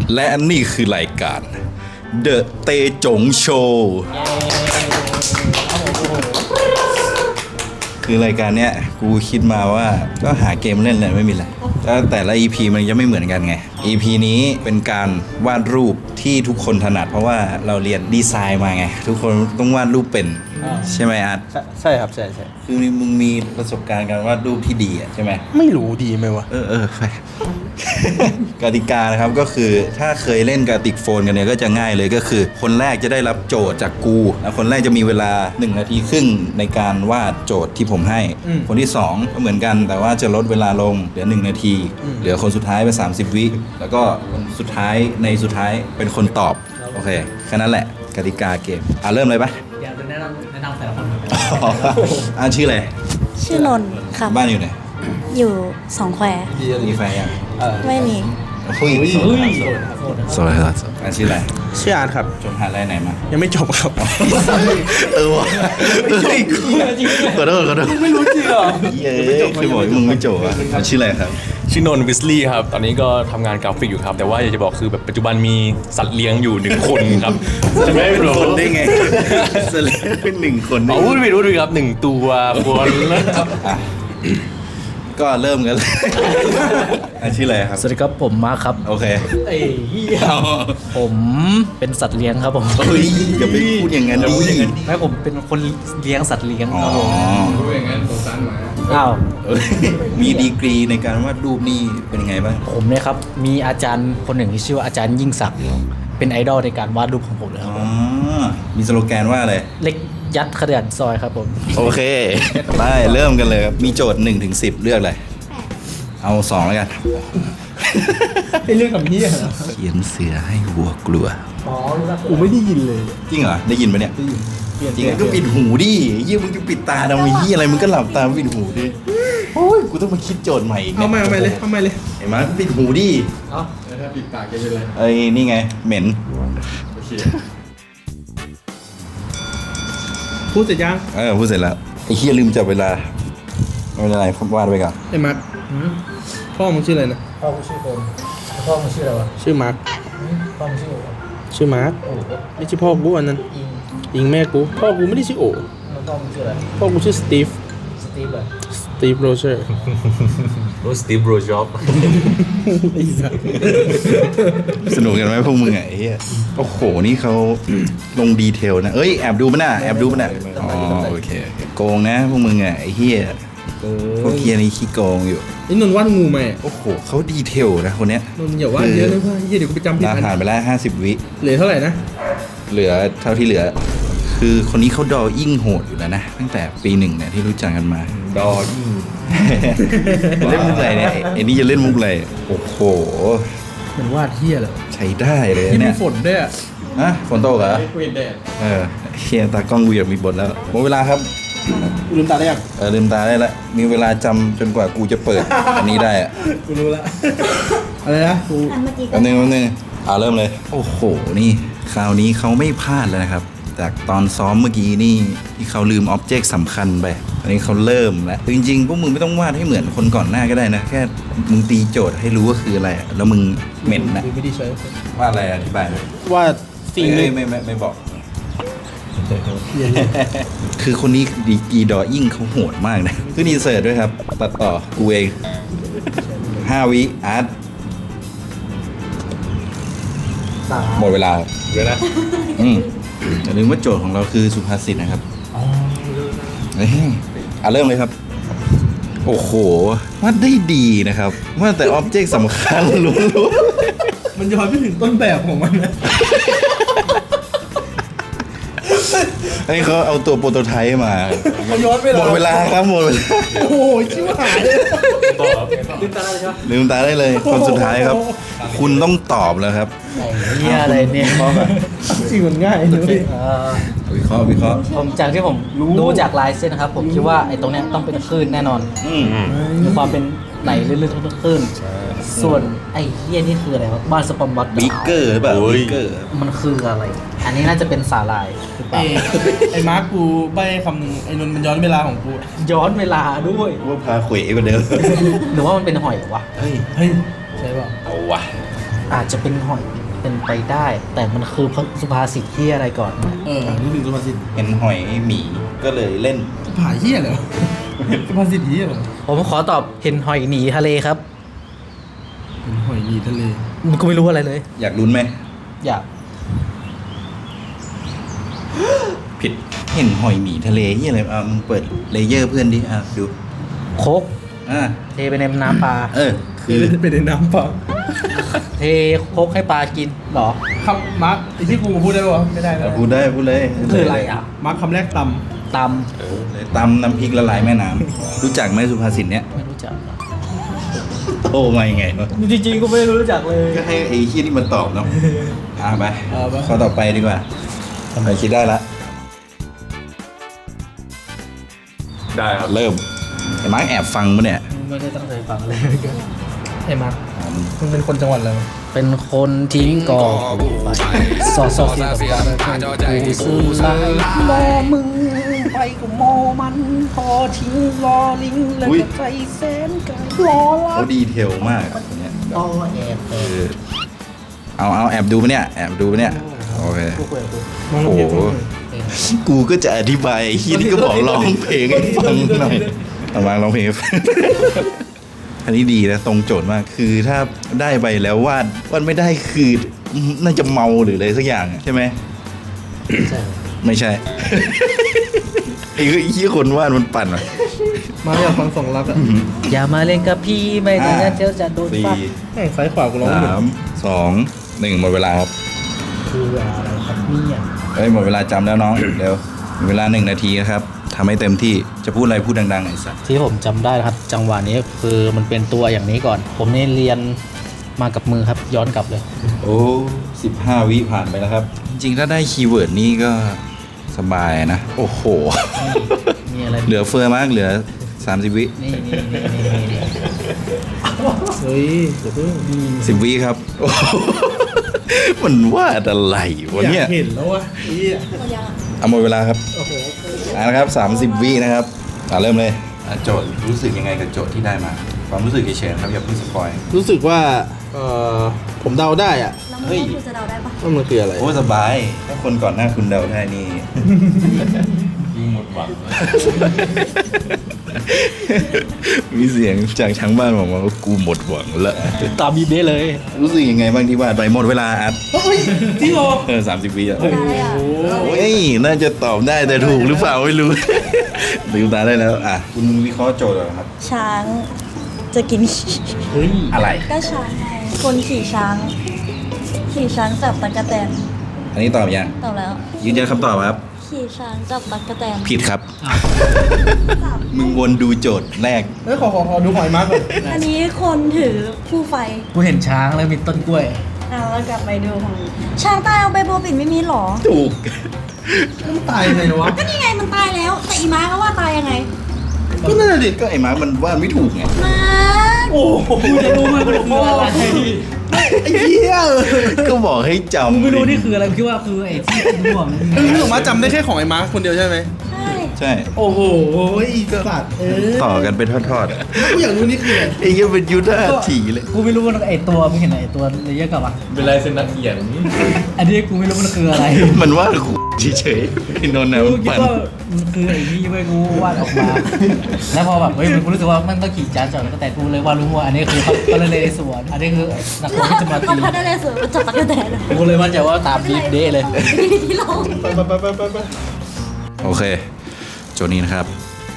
และนี่คือรายการ The เตจงโชว์คือรายการเนี้ยกูคิดมาว่าก็หาเกมเล่นแหละไม่มีอะไรแต่ละ EP มันจะไม่เหมือนกันไง EP นี้เป็นการวาดรูปที่ทุกคนถนัดเพราะว่าเราเรียนดีไซน์มาไงทุกคนต้องวาดรูปเป็นใช่ไหมอาร์ตใช่ครับใช่คือมึงมีประสบการณ์การวาดรูปที่ดีใช่ไหมไม่รู้ดีไหมวะไป กติกานะครับก็คือถ้าเคยเล่นกติกโฟนกันเนี่ยก็จะง่ายเลยก็คือคนแรกจะได้รับโจทย์จากกูแล้วคนแรกจะมีเวลา1 นาทีครึ่งในการวาดโจทย์ที่ผมให้คนที่2ก็เหมือนกันแต่ว่าจะลดเวลาลงเหลือ1 นาทีเหลือคนสุดท้ายไป30 วิแล้วก็คนสุดท้ายเป็นคนตอบโอเคแค่นั้นแหละกติกาเกมเริ่มเลยปะอยากจะแนะนำแต่ละคนชื่ออะไรชื่อนนท์ครับบ้านอยู่ไหนอยู่สองแควมีแฟนยังไม่มีสวัสดีครับชื่ออะไรชื่ออาร์ตครับจบมหาลัยไหนมายังไม่จบครับว่ะขอโทษไม่รู้จริงเหรอคือบอกมึงไม่จบอ่ะชื่ออะไรครับชื่อนนท์วิสลี่ครับตอนนี้ก็ทำงานกราฟิกอยู่ครับแต่ว่าอยากจะบอกคือแบบปัจจุบันมีสัตว์เลี้ยงอยู่1 คนครับจะไม่เป็นคนได้ไงสัตว์เลี้ยงเป็น1 คนพูดผิดครับ1 ตัวคนก็เริ่มกันเลยชื่ออะไรครับสวัสดีครับผมมาร์คครับโอเคผมเป็นสัตว์เลี้ยงครับผมอย่าไปพูดอย่างนั้นดิไม่ผมเป็นคนเลี้ยงสัตว์เลี้ยงครับผมพูดอย่างนั้นสงสารหมาอ้าวมีดีกรีในการวาดรูปนี่เป็นยังไงบ้างผมเนี่ยครับมีอาจารย์คนหนึ่งที่ชื่อว่าอาจารย์ยิ่งศักดิ์เป็นไอดอลในการวาดรูปของผมเลยครับมีสโลแกนว่าอะไรเล็กยัดขนาดซอยครับผมโอเคได้เริ่มกันเลยครับมีโจทย์1 ถึง 10เลือกเลยเอา2แล้วกันให้เรื่องกับพี่เหรอเขียนเสือให้วัวกลัวกูไม่ได้ยินเลยจริงเหรอได้ยินปะเนี่ยจริงก็ปิดหูดิยี่มึงจะปิดตาทำไมยี่อะไรมึงก็หลับตาปิดหูดิโอ้ยกูต้องมาคิดโจทย์ใหม่อีกเอาใหม่เลยเห็นไหมปิดหูดิถ้าปิดปากจะเป็นไรนี่ไงเหม็นพูดเสร็จยังพูดเสร็จแล้วไอ้เฮียลืมจับเวลาไม่เป็นไรวาดไปก่อนไอ้มาร์คพ่อมึงชื่ออะไรนะพ่อมึงชื่อคนพ่อมึงชื่ออะไรวะชื่อมาร์คพ่อมึงชื่อชื่อมาร์คไม่ใช่พ่อกูอันนั้นอิงแม่กูพ่อกูไม่ได้ชื่อโอพ่อมึงชื่ออะไรพ่อกูชื่อสตีฟโรเจอร์สตีฟโรจ็อบสนุกกันไหมพวกมึงไงเฮียโอ้โหนี่เขาลงดีเทลนะแอบดูมันน่ะโอเคโกงนะพวกมึงไงไอ้เฮียพวกเฮียนี่ขี้โกงอยู่นี่นนท์วาดงูไหมโอ้โหเขาดีเทลนะคนเนี้ยนนท์อย่าวาดเยอะเลยเพื่อนเฮียเดี๋ยวกูไปจำผิดผ่านไปแล้ว50 วิเหลือเท่าไหร่นะเหลือเท่าที่เหลือคือคนนี้เขาดอยิ่งโหดอยู่แล้วนะตั้งแต่ปี1เนี่ยที่รู้จักกันมาดอยิ่งเล่นมุกอะไรเนี่ยไอ้นี่จะเล่นมุกอะไรโอ้โหมันวาดเฮียเหรอใช้ได้เลยเนี่ยมีฝนด้วยฝนตกเหรอเฮียตากล้องกูอยากมีบทแล้วหมดเวลาครับลืมตาได้ยังลืมตาได้แล้วมีเวลาจำจนกว่ากูจะเปิดอันนี้ได้กูรู้แล้วอะไรนะกูแป๊บนึงเริ่มเลยโอ้โหนี่คราวนี้เขาไม่พลาดแล้วนะครับจากตอนซ้อมเมื่อกี้นี่ที่เขาลืมอ็อบเจกต์สำคัญไปอันนี้เขาเริ่มแล้วจริงๆพวกมึงไม่ต้องวาดให้เหมือนคนก่อนหน้าก็ได้นะแค่มึงตีโจทย์ให้รู้ว่าคืออะไรแล้วมึงเหม็นนะไม่ได้ใช้วาดอะไรอธิบายเลยวาดสิ่งไม่บอกคือคนนี้ดีกีดอยิ่งเขาโหดมากนะคือดีเสิร์ตด้วยครับตัดต่อกูเอง5 วิอาร์ตหมดเวลาเดี๋ยวนะอย่าลืมว่าโจทย์ของเราคือสุภาษิตนะครับเริ่มเลยครับโอ้โหวาดได้ดีนะครับว่าแต่อ็อบเจกต์สำคัญรู้มันย้อนไปถึงต้นแบบของมันนะให้เขาเอาตัวโปรโตไทป์มาย้อนไปหมดเวลาครับหมดเวลาโอ้โหชิบหายเลยลืมตาได้ใช่ไหมลืมตาได้เลยคนสุดท้ายครับคุณต้องตอบแล้วครับเฮียอะไรเนี่ยจริงมันง่ายเลยวิเคราะห์ผมจากที่ผมดูจากลายเส้นนะครับผมคิดว่าไอ้ตรงเนี้ยต้องเป็นคลื่นแน่นอนมีความเป็นไหลลื่นๆทุกคลื่นส่วนไอ้เฮียนี่คืออะไรวะบ้านสปอมบัตบิ๊กเกอร์แบบบิ๊กเกอร์มันคืออะไรอันนี้น่าจะเป็นสาหร่ายหรือเปล่าไอ้มาร์คกูใบ้คำนึงไอ้นนท์มันย้อนเวลาของกูย้อนเวลาด้วยว่าพาเขวกว่าเดิมหรือว่ามันเป็นหอยวะเฮ้ยใช่ป่ะเอาวะอาจจะเป็นหอยเป็นไปได้ แต่มันคือสุภาษิตที่อะไรก่อนนะนี่ถึงสุภาษิตเห็นหอยหมีก็เลยเล่นผาเหี้ยเหรอสุภาษิตเหี้ยเหรอผมขอตอบเห็นหอยหนีทะเลครับเป็นหอยหยีทะเลมันก็ไม่รู้อะไรเลยอยากลุ้นไหมอยากผิดเห็นหอยหมีทะเลยี่อะไรมึงเปิดเลเยอร์เพื่อนดิดูโคกอ่าเทไปในน้ำปลาคือเป็นในน้ำเปล่าเทโคกให้ปลากินเหรอครับมาร์คไอ้ที่กูพูดได้ปะไม่ได้นะพูดได้พูดเลยคืออะไรอ่ะมาร์คคำแรกตตตำน้ำพริกละลายแม่น้ำรู้จักไหมสุภาษิตเนี้ยำไม่รู้จักอะโอ้มายังไงวะจริงๆก็ไม่รู้จักเลยก็ให้ไอ้ขี้นี่มันตอบเนาะไปข้อต่อไปดีกว่าทำไมคิดได้ละได้ครับเริ่มไอ้มาร์กแอบฟังปะเนี่ยไม่ได้ตั้งใจฟังเลยไอ้มาร์คมันเป็นคนจังหวัดอะไรวะเป็นคนที่ก่อสอสอเสียกับการกูซื้อลายมอมึงไปกับมอมันพอทิ้งรอลิงแล้วก็ใจแสนกันรอละเขาดีเทลมากคนเนี้ยต่อแอบเอาแอบดูปะเนี่ยแอบดูปะเนี่ยโอเคกูคุยกับกูมองโอ้เห็นโหกูก็จะอธิบายที่นี่ก็บอกร้องเพลงให้ฟังหน่อยเอามาร้องเพลงให้ฟังอันนี้ดีนะตรงโจทย์มากคือถ้าได้ไปแล้ววาดไม่ได้คือน่าจะเมาหรืออะไรสักอย่างใช่ไหมใช่ไม่ใช่ ไอ้ขี้คนวาดมันปั่นอ่ะมาอยากฟังสองรักอ่ะอย่ามาเล่นกับพี่ไม่งั้นเดี๋ยวจะโดนสี่ฟัดแม่งซ้ายขวากูร้องไม่หมด 3 2 1หมดเวลาครับคืออะไรครับเนี่ยเฮ้ยหมดเวลาจำแล้วน้อง เร็วมีเวลา1 นาทีนะครับทำให้เต็มที่จะพูดอะไรพูดดังๆไอ้สัสที่ผมจำได้นะครับ จังหวะนี้คือมันเป็นตัวอย่างนี้ก่อน ผมนี่เรียนมากับมือครับ ย้อนกลับเลยโอ้15 วิผ่านไปแล้วครับ จริงๆถ้าได้คีย์เวิร์ดนี่ก็สบายนะ โอ้โหมีอะไรเหลือเฟือมากเหลือ 30 วินี่เฮ้ยเดี๋ยวเพิ่ง 10 วิครับ โอ้โหมันวาดอะไรวะอยาเนี่ยกเห็นแล้ววะไอ้เหี้ยเอาหมดเวลาครับโอ้โหนะครับ30 วินะครับเริ่มเลยโจทย์รู้สึกยังไงกับโจทย์ที่ได้มา ความรู้สึกเฉยๆครับอย่าเพิ่งสปอยรู้สึกว่าผมเดาได้อ่ะแล้วมันคุณจะเดาได้ปะว่ามันคืออะไรโอ้สบาย ถ้าคนก่อนหน้าคุณเดาได้นี่ยิ่งหมดหวังมีเสียงจากทางบ้านบอกว่ากูหมดหวังแล้วตามบีเบ้เลยรู้สึกยังไงบ้างที่วาดไปหมดเวลาอัดเฮ้ยจริงเหรอ 30 วิอ่ะได้อ่ะโอ้ยน่าจะตอบได้แต่ถูกหรือเปล่าไม่รู้ ลืมตาได้แล้วคุณวิเคราะห์โจทย์เหรอครับช้างจะกินขี้เฮ้ยอะไรก็ช้างไงคนขี่ช้างขี่ช้างจับตะกะแตนอันนี้ตอบยังตอบแล้วยืนยันคำตอบครับขี่ช้างจับตะกะแตนผิดครับ มึงวนดูโจทย์แรกเฮ้ยขอดูหอยมาร์คก่อนอันนี้คนถือผู้ไฟกูเห็นช้างแล้วมีต้นกล้วยแล้วกลับไปดูของช้างตายเอาใบบัวปิดไม่มีหรอถูกมันตายยังไงวะก็นี่ไงมันตายแล้ว แต่อีม้าก็ว่าตายยังไงก็นั่นแหละดิก็ไอ้มาร์คมันวาดไม่ถูกไงม้าโอ้โหกูจะรู้ไหมมันคืออะไรไอ้เหี้ยก็บอกให้จำกูไม่รู้นี่คืออะไรกูคิดว่าคือไอ้ที่ม่วงคือผมมาจำได้แค่ของไอ้มาร์คคนเดียวใช่ไหมใช่ใช่โอ้โหอีสัตว์ต่อกันเป็นทอดกูอยากรู้นี่คืออะไรๆไอ้เหี้ยังเป็นยุทธาถีเลยกูไม่รู้ว่าไอ้ตัวมึงเห็นไอ้ตัวเลเยอร์กับอ่ะเป็นลายเซ็นนักเขียนอันนี้กูไม่รู้มันคืออะไรมันวาดกูเฉยๆไอ้นนท์นะกูมันคิดปั่นว่ามันคือไอ้นี่เว้ยกูวาดออกมา แล้วพอแบบเฮ้ยมันกูรู้สึกว่ามันต้องขี่จานจอดแล้วก็แต่กูเลยวาดรู้ว่าอันนี้คือเขาเลยสวนอันนี้คือนักแล้วที่จะมาเขาตีพัดได้เลยสวยมันจับตะกะแตนอะกูเลยมั่นใจว่าตามบีฟเด้เลยที่เราไปโอเค โจทย์นี้นะครับ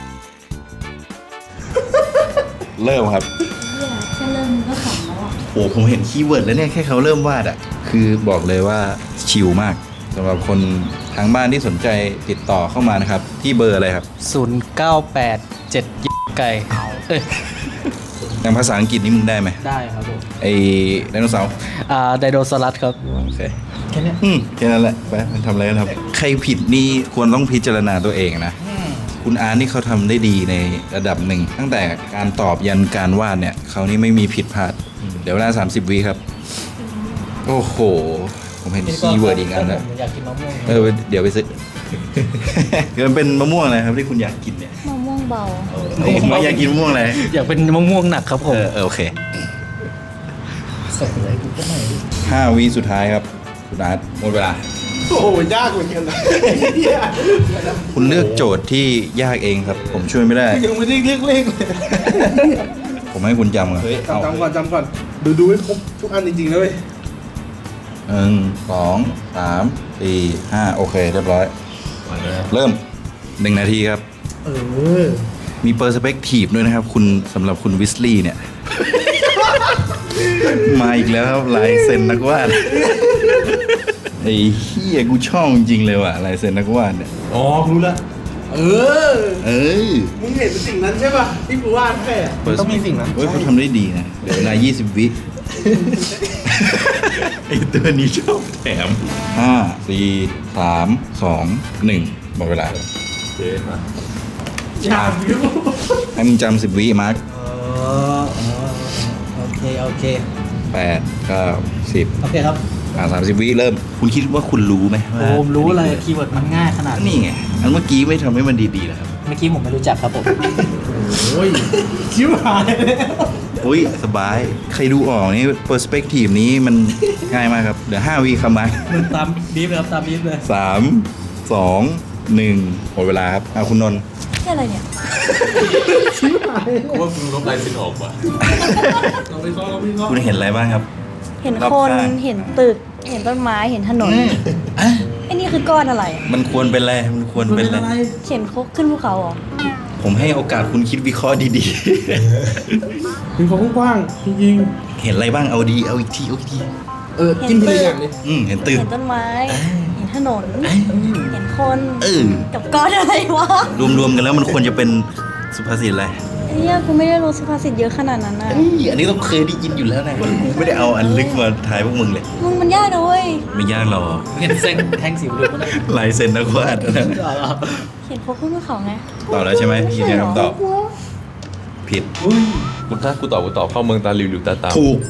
เริ่มครับแค่เริ่มก็ขำแล้วอ่ะโอ้ผมเห็นคีย์เวิร์ดแล้วเนี่ยแค่เขาเริ่มวาดอ่ะ คือบอกเลยว่าชิลมากสำหรับคนทางบ้านที่สนใจติดต่อเข้ามานะครับ ที่เบอร์อะไรครับ 0987ไก่เอ้ยอย่างภาษาอังกฤษนี่มึงได้ไหมได้ครับผมไอ้ไดโนเสาร์ไดโนซอรัสครับโอเคแค่เนี้ยแค่นั้นแหละไปมันทำอะไรกันครับ ใครผิดนี่ควรต้องพิจารณาตัวเองนะ คุณอาร์ตนี่เขาทำได้ดีในระดับหนึ่ง ตั้งแต่การตอบยันการวาดเนี่ยเขานี่ไม่มีผิดพลาด เดี๋ยวเวลา30 วิครับ โอ้โห ผมเห็นคีย์เวิร์ดอีกอันแล้วผมอยากกินมะม่วงเดี๋ยวไปซื้อ มันเป็นมะม่วงอะไรครับที่คุณอยากกินเนี่ยมะม่วงเบาผมอยากกินมะม่วงอะไรอยากเป็นมะม่วงหนักครับผมโอเคใส่อะไรกูก็ไม่รู้ 5 วิสุดท้ายครับคุณอาร์ตหมดเวลาโอ้โหยากเหมือนกันนะคุณเลือกโจทย์ที่ยากเองครับ ผมช่วยไม่ได้ยังไม่ได้เลือกเลขเลยผมให้คุณจำก่อนเอาจำก่อนดูให้ครบทุกอันจริงๆนะเว้ย 1 2 3 4 5 โอเค เรียบร้อย เริ่ม 1 นาทีครับเออมีเปอร์สเปกทีฟด้วยนะครับ คุณสำหรับคุณวิสลีย์เนี่ย มาอีกแล้วครับลายเซ็นนักวาด ไอ้เฮียกูชอบจริงๆเลยว่ะลายเซ็นนักวาดเนี่ยอ๋อรู้ละเออเอ้ยมึงเห็นสิ่งนั้นใช่ป่ะที่กูวาดแค่มันต้องมีสิ่งนั้นเฮ้ยเขาทำได้ดีนะเดี๋ยวเวลา 20 วิ ไอ้ตัวนี้ชอบแถม 5 4 3 2 1 หมดเวลาอยากอยู่ให้มึงจำ10 วิมาร์คโอเค 8 9 10 โอเคครับ 30 วิเริ่ม คุณคิดว่าคุณรู้ไหมว่าผมรู้เลยคีย์เวิร์ดมันง่ายขนาดนี่ไง อันเมื่อกี้ไม่ทำให้มันดีๆแล้วครับเมื่อกี้ผมไม่รู้จักครับผมโอ้ยชิบหายแล้วอุ้ย สบาย ใครดูออกนี่เปอร์สเปกทีฟนี้มันง่ายมากครับ เดี๋ยว 5 วิครับมาร์คตามบีฟเลยครับตามบีฟเลย 3 2 1 หมดเวลาครับคุณนนท์นี่อะไรเนี่ยว่าคุณลบลายเซ็นออกว่ะเราไปเข้าเราไปเข้าคุณเห็นอะไรบ้างครับเห็นรอบคนข้างเห็นตึก เห็นต้นไม้ เห็นถนนไอ้นี่คือก้อนอะไรมันควรเป็นอะไร มันควรเป็นอะไรเขียนคกขึ้นภูเขาเหรอผมให้โอกาสคุณคิดวิเคราะห์ดีถึงเขากว้างๆจริงๆ เห็นอะไรบ้าง เอาดี เอาอีกที เอาอีกทีๆจิ้มทีละอย่างเลยเห็นตึกเห็นต้นไม้ เห็นถนน เห็นคนเออกับก้อนอะไรวะรวมๆกันแล้วมันควรจะเป็นสุภาษิตอะไรไอ้เนี่ยกูไม่ได้รู้สุภาษิตเยอะขนาดนั้นนะอันนี้ต้องเคยได้ยินอยู่แล้วนะกูไม่ได้เอาอันลึกมาทายพวกมึงเลยมึงมันยากนะเว้ยไม่ยากหรอกเห็นเส้นแท่งสีเหลืองมั้ยลายเซ็นนักวาดนะเขียนคกขึ้นภูเขาไงตอบแล้วใช่ไหมพี่เนี่ยคำตอบ ผิดกูถ้ากูตอบเข้าเมืองตาหลิวหลิวตาตามถูก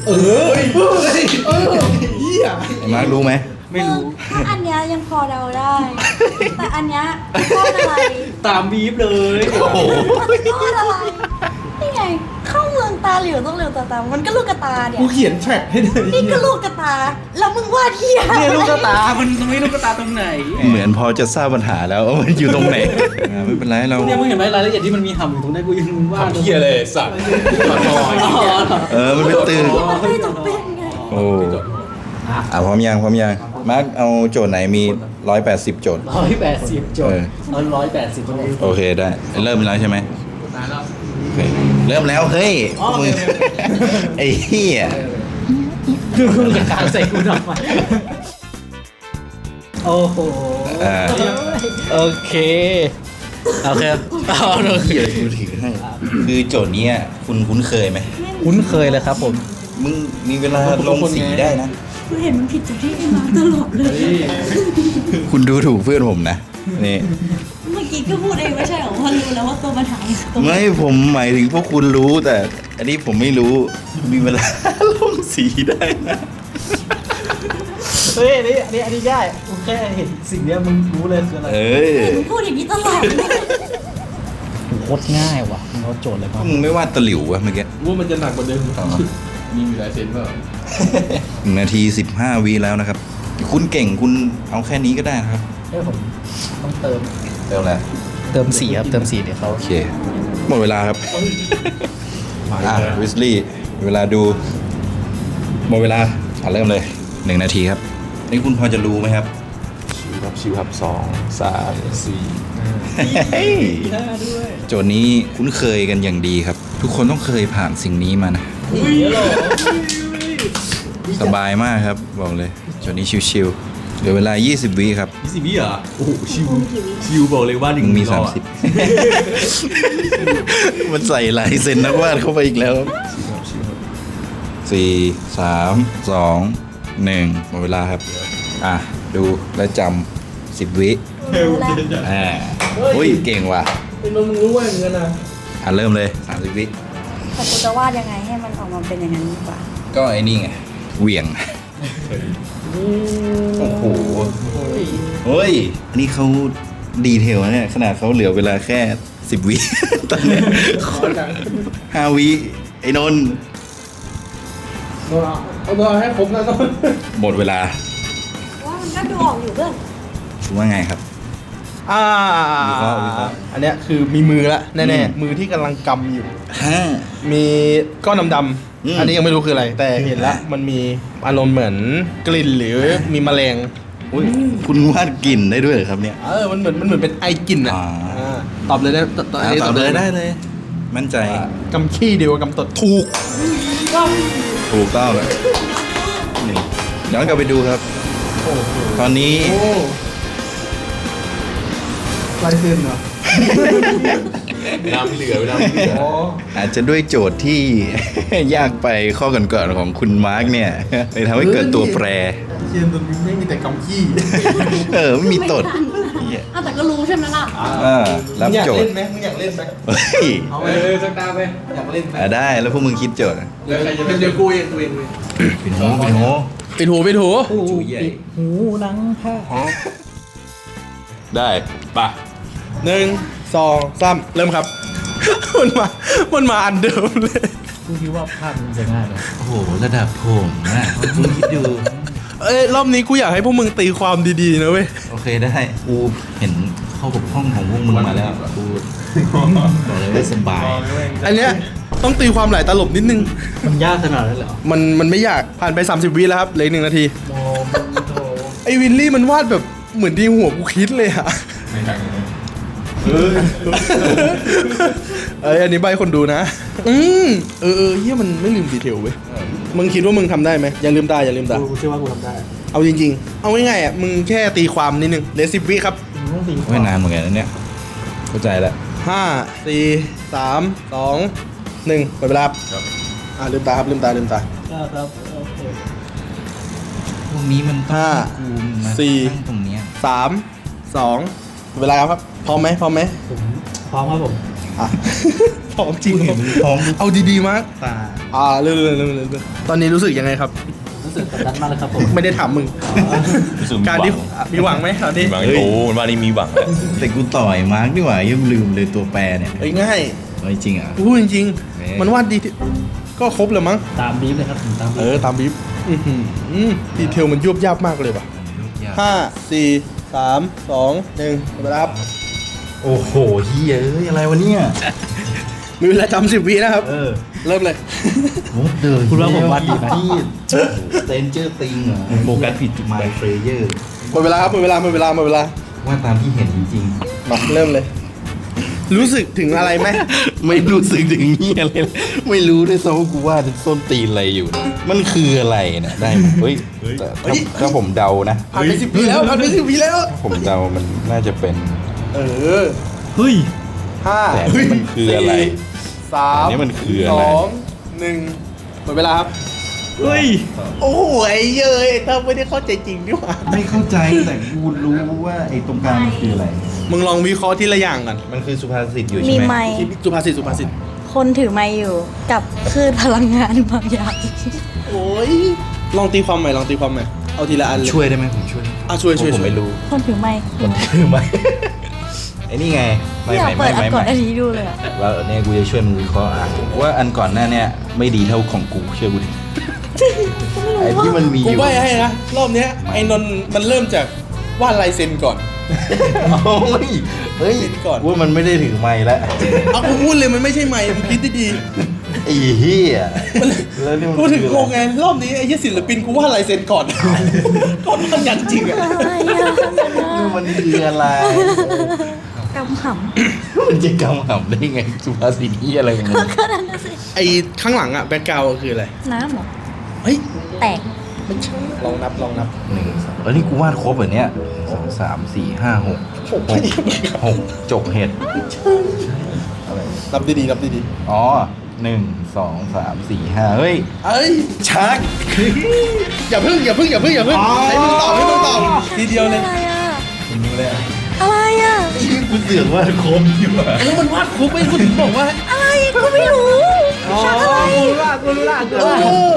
เฮียไอ้มาร์ครู้ไหมไม่รู้ถ้าอันเนี้ยยังพอเดาได้ แต่อันเนี้ยก้อนอะไรตามบีฟเลยโอ้โหก้อนอะไร นี่ไง เข้าเมืองตาเหลียวต้องเหลียวตาตามมันก็ลูกกระตาเนี่ยกูเขียนแทร็กให้เลยนี่ก็ลูกกระตา แล้วมึงวาดเหี้ยเนี่ยลูกกระตา มันตรงนี้ลูกกระตาตรงไหนเหมือนพอจะทราบปัญหาแล้วว่ามันอยู่ตรงไหนไม่เป็นไรเราเนี่ยมึงเห็นไหมรายละเอียดที่มันมีห่ำอยู่ตรงนี้กูยังว่าดเฮียเลยสัตว์มันเป็นตึกมันไม่จำเป็นไงโอ้พร้อมยังมาร์คเอาโจทย์ไหนมี 180 โจทย์ 180 โจทย์180 โจทย์โอเคได้ เริ่มแล้วใช่ไหมโอเคเริ่มแล้วเฮ้ยอ๋อมึงไอ้เหี้ยคือมึงจะกลางใส่กูทำไมโอ้โห โอเคเอาโอเคเหี้ยกูถือให้คือโจทย์เนี้ยคุณคุ้นเคยไหมคุ้นเคยเลยครับผมมึงมีเวลาลงสีได้นะกูเห็นมันผิดจากที่ไอ้มาตลอดเลยคุณดูถูกเพื่อนผมนะนี่เมื่อกี้ก็พูดเองไม่ใช่เหรอว่ารู้แล้วว่าตัวปัญหาคือตรงไหนไม่ผมหมายถึงพวกคุณรู้แต่ อันนี้ผมไม่รู้มีเวลา ลงสีได้นะเฮ้ยอันนี้ได้กูแค่เห็นสิ่งเนี้ยมึงรู้เลยคืออะไรเออมึงพูดอย่างนี้ตลอดเลยโคตรง่ายว่ะมึงเอาโจทย์เลยพป่ะวกมึงไม่วาดตะหลิววะเมื่อกี้ว่ามันจะหนักกว่าเดิมมีลายเซ็นเปล่า 1 นาที 15 วิแล้วนะครับ คุณเก่งคุณเอาแค่นี้ก็ได้นะครับเฮ้ยผมต้องเติมเร็วแล้วเติมสีครับเติมสีเดี๋ยวเขาโอเค หมดเวลาครับวิสลี่เวลาดู หมดเวลาเริ่มเลย 1 นาทีครับ นี่คุณพอจะรู้ไหมครับชิวครับ2 3 4 เฮ้ยโจทย์นี้คุ้นเคยกันอย่างดีครับ ทุกคนต้องเคยผ่านสิ่งนี้มานะ สบายมากครับ บอกเลยโจทย์นี้ชิวๆเหลือเวลา 20 วิครับ 20 วิเหรอโอ้โหชิวบอกเลยว่ามึงมี 30 มันใส่ลายเซ็นนักวาดเข้าไปอีกแล้ว4 3 2 1หมดเวลาครับ ดูและจำ10 วิรู้แล้วอุ้ยเก่งว่ะเป็นมึงรู้ว่าอย่างเงี้ยนะเริ่มเลย30 วิแต่กูจะวาดยังไงให้มันออกมาเป็นอย่างนั้นดีกว่าก็ไอ้นี่ไงเหวี่ยง โอ้โหเฮ้ย อันนี้เขาดีเทลนะเนี่ย ขนาดเขาเหลือเวลาแค่ 10 วิ ตอนเนี้ย5 วิ ไอ้นนท์โดนเอาโดนให้ครบนะต้นหมดเวลาว่ามันก็ดูออกอยู่เพื่อนคุณว่าไงครับ วิเคราะห์อันเนี้ยคือมีมือละแน่อืมๆมือที่กำลังกำอยู่ห้ามีก้อนดำอืมๆอันนี้ยังไม่รู้คืออะไร แต่เห็นละมันมีอารมณ์เหมือนกลิ่นหรือมีแมลงอุ๊ยคุณวาดกลิ่นได้ด้วยเหรอครับเนี่ยมันเหมือนเป็นไอกลิ่นอ่ะอ่าตอบเลยได้นนี้ตอบเลยได้เลย มั่นใจกำขี้เดียวกับกำตดถูกถูกต้องเลยนี่ย้อนกลับไปดูครับ ตอนนี้ลายเส้นเหรอน้ำเหลือน้ำเหลืออาจจะด้วยโจทย์ที่ ยากไปข้อก่อนๆของคุณมาร์กเนี่ยเลยทำให้เกิดตัวแปรเชียนตัวนี้ไม่มีแต่กำขี้ไม่มีตดเหี้ยแต่ก็รู้ใช่ไหมล่ะรับมึงอยากโจทเล่ย์นไหมมึงอยากเล่นไหมเฮ้ยเอาไหมสักตาไปอยากเล่นไหมได้แล้วพวกมึงคิดโจทย์อะเดี๋ยวใครจะเป็นเดี๋ยวกูเองปิดหูปิดหูปิดหูจูใหญ่หูหลังผ้าได้ปะ 1 2 3เริ่มครับ มันมาอันเดิมเลยกูคิดว่าภาพมันจะง่ายเลยโอ้โหระดับผมนะคุณคิดดูรอบนี้กูอยากให้พวกมึงตีความดีๆนะเว้ยโอเคได้กูเห็นข้อบกพร่องของพวกมึงมาแล้วกูบอกเลยว่าสบายอันเนี้ยต้องตีความหลายตลบนิดนึงมันยากขนาดนั้นเหรอมันไม่อยากผ่านไป 30 วิแล้วครับเหลืออก1 นาทีโมมันโถไอ้วินลี่มันวาดแบบเหมือนที่หัวกูคิดเลยอะอันนี้ใบคนดูนะ เฮียมันไม่ลืมดีเทลเว้ย มึงคิดว่ามึงทำได้ไหมอย่าลืมตาอย่าลืมตากูเชื่อว่ากูทำได้เอาจริงๆ เอาง่ายๆอ่ะ มึงแค่ตีความนิดนึงเหลือ10 วิครับมึงต้องตีไม่นานเหมือนกันนะเนี่ยเข้าใจแล้ว 5 4 3 2 1หมดเวลาครับลืมตาครับลืมตาครับโอเคพวกนี้มันต้องห้ากูมาสี่ตั้งตรงเนี้ย 3 2หมดเวลาครับพร้อมไหมผมพร้อมครับผมอ่ะ พร้อมจริงพร้อมเอาดีๆมากตาเรื่อยๆตอนนี้รู้สึกยังไงครับรู้สึกกดดันมากเลยครับผมไม่ได้ถามมึงรู้สึกการที่มีหวังไหมตอนนี้มีหวังโอ้มันว่านี่มีหวังแล้วแต่กูต่อยมาร์กดีกว่ายังลืมเลยตัวแปรเนี่ยเอ้ยง่ายเอาจริงๆอ่ะพูดจริงแหมๆ มันวาดดีที่ก็ครบเลยมั้งตามบีฟเลยครับผมตามบีฟตามบีฟดีเทลมันยวบยาบมากเลยว่ะ 5 4 3 2 1หมดเวลาครับโอ้โหเฮียเอ้ยอะไรวะเนี่ยมีเวลาจำ10 วินะครับ เริ่มเลยโอ้เดินคุณว่าผมวาดดีไหมเซนเจอร์ติงเหรอโฟกัสผิดจุดหมายเฟรเยอร์หมดเวลาครับหมดเวลาว่าตามที่เห็นจริงมาเริ่มเลย รู้สึกถึงอะไรไหมๆ ไม่รู้สึกถึงเฮียเลยไม่รู้ด้วยซ้ำว่ากูว่าจะส้นตีนอะไรอยู่นะมันคืออะไรเนี่ยได้ไหมเฮ้ยแต่ถ้าผมเดานะผ่านไป10 วิแล้วผ่านไป10 วิแล้วผมเดามันน่าจะเป็นเฮ้ย 5 แต่อันนี้มันคืออะไร 3 อันนี้มันคืออะไร 2 1หมดเวลาครับเฮ้ยโอ้โหไอ้เย้ยเธอไม่ได้เข้าใจจริงนี่หว่าไม่เข้าใจแต่กูรู้ว่าไอ้ตรงกลางมันคืออะไรมึงลองวิเคราะห์ทีละอย่างกันมันคือสุภาษิตอยู่มีใช่ไหมไม้สุภาษิตคนถือไม้อยู่กับคลื่นพลังงานบางอย่างโอ้ยลองตีความใหม่เอาทีละอันเลยช่วยได้ไหมผมช่วยช่วยเพราะผมไม่รู้คนถือไม้คือไหมไอ้นี่ไงไม่อยากเปิดอันก่อนอันนี้ดูเลยอะแล้วเนี่ยกูจะช่วยมึงวิเคราะห์ว่าอันก่อนหน้าเนี่ยไม่ดีเท่าของกูเชื่อกูดิไอ้ที่มันมีอกูยู่ใบ้ให้นะ รอบเนี้ยไอ้นนท์มันเริ่มจากวาดลายเซ็นก่อนโอ้ยเฮ้ยคิดก่อนว่ามันไม่ได้ถือไม้แล้วเอากูพูดเลยมันไม่ใช่ไม้มึงคิดดีไอ้เหี้ยแล้วนี่มันๆกูถึงคือโกอะไรงไงรอบนี้ไอ้เหี้ยศิลปินกูวาดลายเซ็นก่อน ก่อนมันอย่างจริงอะอะไรอะนี่มันคืออะไรกำขมันจะกำหำได้ไงสุภาษิตเหี้ยอะไรของมึงำก็นั่นน่ะสิไอ้ข้างหลังอะแบ็คกราวด์คืออะไรน้ำเหรอเฮ้ยแตกไม่ใช่ลองนับ 1 2แล้วนี่กูวาดครบเหรอเนี่ย2 3 4 5 6 6จกเห็ดนับดีๆนับดีอ๋อ1 2 3 4 5เฮ้ยๆเอ้ยชักอย่าพึ่งให้มึงตอบทีเดียวเลยอะไรอะคุณรู้เลยอะไรอะที่กูเสือกวาดครบดีกว่าแล้วมันวาดครบไปกูถึงบอกว่าอะไรกูไม่รู้ชักอะไรรู้ละรู้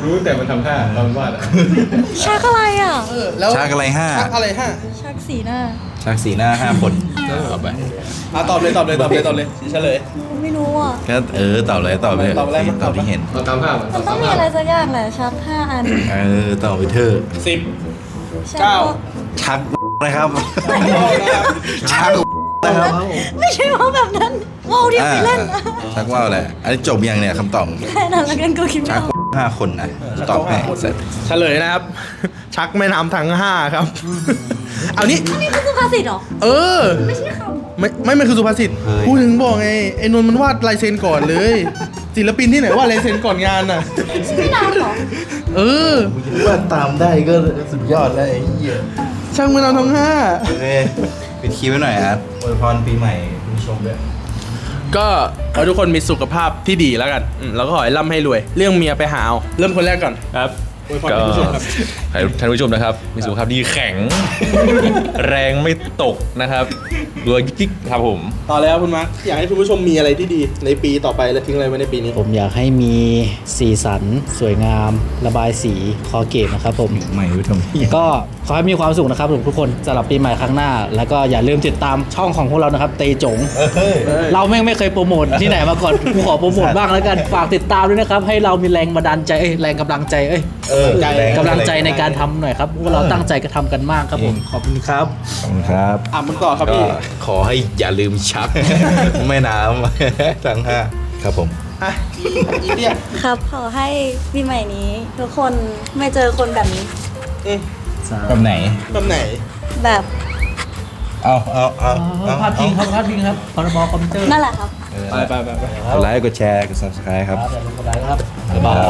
รู้แต่มันทำท่าตอนวาดชักอะไรอ่ะแล้วชักอะไรห้าชักอะไรห้าชักสีหน้าชักสีหน้า5 คนต่อไปตอบเลยเฉลยไม่รู้อ่ะก็ตอบเลยตอบเลยตอบอะไรมาตอบที่เห็นเราตามภาพมันต้องมีอะไรสักอย่างแหละชัก5 อันตอบไปเถอะ 10 ชักเก้าชักนะครับ ชักนะครับไม่ใช่ว่าแบบนั้นว่าวที่ไปเล่นนะชักว่าวแหละอันนี้จบยังเนี่ยคำตอบแค่นั้นแล้วกันกูคิดไม่ชักออก 5 คนนะตอบให้เสร็จเฉลยนะครับ ชักแม่น้ำทั้ง5ครับ เอานี่อันนี้คือสุภาษิตเหรอเออไม่ใช่คำไม่มันคือสุภาษิตพูดถึงบอกไงไอ้นนท์มันวาดลายเซ็นก่อนเลย ศิลปินที่ไหนวาดลายเซ็นก่อนงานน่ะไม่นานเหรอเออว่าตามได้ก็สุดยอดแล้วไอ้เหี้ยช่างแม่น้ำทั้ง5 โอเคปิดคลิปไว้หน่อยครับอวยพรปีใหม่คุณผู้ชมด้วยก็ขอให้ทุกคนมีสุขภาพที่ดีแล้วกันแล้วก็ขอให้ร่ำให้รวย เรื่องเมียไปหาเอาเริ่มคนแรกก่อนครับอวยพรก็ท่านผู้ชมครับให้ท่านผู้ชมนะครับ มีสุขภาพดีแข็ง แรงไม่ตกนะครับรวยกิ๊กๆครับผมต่อแล้วคุณมาร์คอยากให้คุณผู้ชมมีอะไรที่ดีในปีต่อไปและทิ้งอะไรไว้ในปีนี้ผมอยากให้มีสีสัน สวยงาม ระบายสีคอเกตนะครับผมใหม่รู้ทำพี่ก็ขอให้มีความสุขนะครับทุกคนสำหรับปีใหม่ครั้งหน้า แล้วก็อย่าลืมติดตามช่องของพวกเรานะครับเตจง เราแม่งไม่เคยโปรโมทที่ไหนมาก่อน กูขอโปรโมทบ้างแล้วกัน ฝากติดตามด้วยนะครับ ให้เรามีแรงบันดาลใจแรงกำลังใจกำลังใจในการทำหน่อยครับพวกเราตั้งใจกันทำกันมากครับผมขอบคุณครับขอบคุณครับมึงต่อครับก็พี่ขอให้อย่าลืมชัก แม่น้ำ ทั้ง5ครับผมอ่ะอีเดียครับ ขอให้ปีใหม่นี้ ทุกคนไม่เจอคนแบบนี้แบบไหนแบบไหนแบบเอาพาดพิงครับพาดพิงครับพรบคอมพิวเตอร์นั่นแหละครับไปกดไลค์กดแชร์กด subscribe ครับอย่าลืมกดไลค์ครับบ๊ายบาย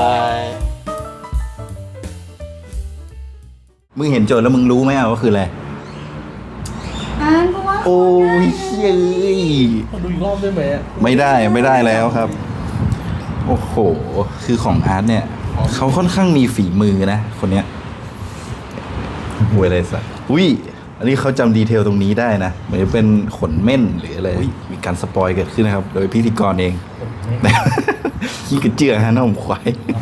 มึงเห็นโจทย์แล้วมึงรู้ไหมว่าคืออะไรอ่านเพราะว่าโอ้ยเย้ยดูอีกรอบได้ไหมไม่ได้แล้วครับ โอ้โห คือของอาร์ตเนี่ย เขาค่อนข้างมีฝีมือนะ คนเนี้ยหวยอะไรสักอุ้ย อันนี้เขาจำดีเทลตรงนี้ได้นะเหมือนจะเป็นขนเม่นหรืออะไรมีการสปอยเกิดขึ้นนะครับ โดยพิธีกรเอง ขี้กระเจือฮะน้องควาย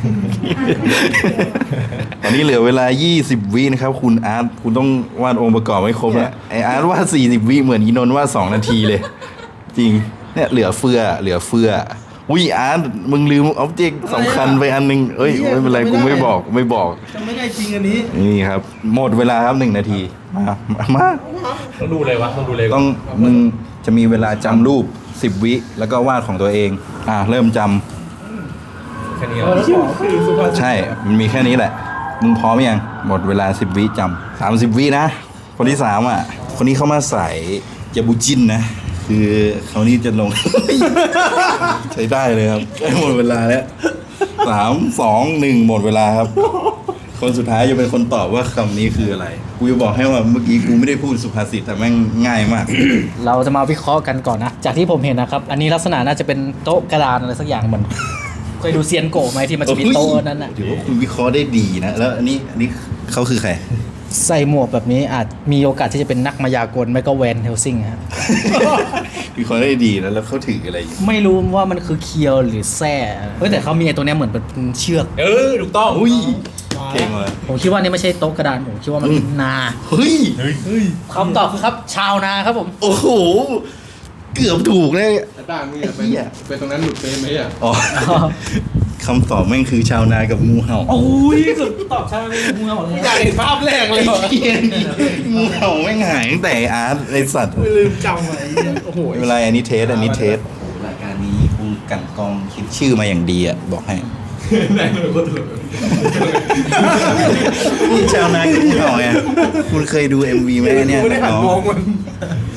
ตอนนี้เหลือเวลา 20 วินะครับ คุณอาร์ตคุณต้องวาดองค์ประกอบให้ครบแล้วไออาร์ตวาด40 วิเหมือนอีนนท์วาด2 นาทีเลย จริง เนี่ยเหลือเฟืออุ้ยอาร์ตมึงลืมออบเจกต์สำคัญไปอันนึงเอ้ยไม่เป็นไรกูไม่บอกจะไม่ได้จริงอันนี้นี่ครับ หมดเวลาครับ1 นาที มาต้องดูเลยวะต้องดูเลยต้องมึงจะมีเวลาจำรูป 10 วิแล้วก็วาดของตัวเอง เริ่มจำแค่นี้ใช่ มันมีแค่นี้แหละ มึงพร้อมยัง หมดเวลา 10 วิจำ30 วินะ คนที่3อ่ะ คนนี้เขามาใส่ยาบูจินนะ คือเขานี่จะลง ใช้ได้เลยครับใกล้หมดเวลาแล้ว 3 2 1 หมดเวลาครับ คนสุดท้ายจะเป็นคนตอบว่าคำนี้คืออะไร กูจะบอกให้ว่าเมื่อกี้กูไม่ได้พูดสุภาษิตแต่แม่งง่ายมากเราจะมาวิเคราะห์กันก่อนนะ จากที่ผมเห็นนะครับ อันนี้ลักษณะน่าจะเป็นโต๊ะกระดานอะไรสักอย่างเหมือนเคยดูเซียนโกะไหมที่มันจะมีโต๊ะนั้นน่ะถือว่าคุณวิเคราะห์ได้ดีนะ แล้วอันนี้เขาคือใครใส่หมวกแบบนี้อาจมีโอกาสที่จะเป็นนักมายากลไม่ก็แวนเฮลซิงฮะวิเคราะห์ได้ดีนะแล้วเขาถืออะไรอยู่ไม่รู้ว่ามันคือเคียวหรือแส้เฮ้ยแต่เขามีไอ้ตัวเนี้ยเหมือนเป็นเชือกถูกต้องอุ้ยเก่งเลยผมคิดว่านี่ไม่ใช่โต๊ะกระดานผมคิดว่ามันเป็นนาเฮ้ยคำตอบคือครับ ชาวนาครับผมโอ้โห เกือบถูกเลยแต่ต่างมึงอย่าไปไอ้เหี้ยไปตรงนั้นหลุดไปไหมอ่ะอ๋อ คำตอบแม่งคือชาวนากับงูเห่าโอ้ยสุดตอบชาวนาเป็นงูหมดเลยอยากเห็นภาพแรกเลยงูเห่าแม่งหายตั้งแต่อาร์ตไอสัตว์ลืมจำไว้โอ้โหไม่เป็นไรอันนี้เทสรายการนี้กูกันกองคิดชื่อมาอย่างดีอ่ะ บอกให้นี่ชาวนากับงูเห่าไงคุณเคยดู MV ไหมเนี่ยไม่ได้หันน้องมองมัน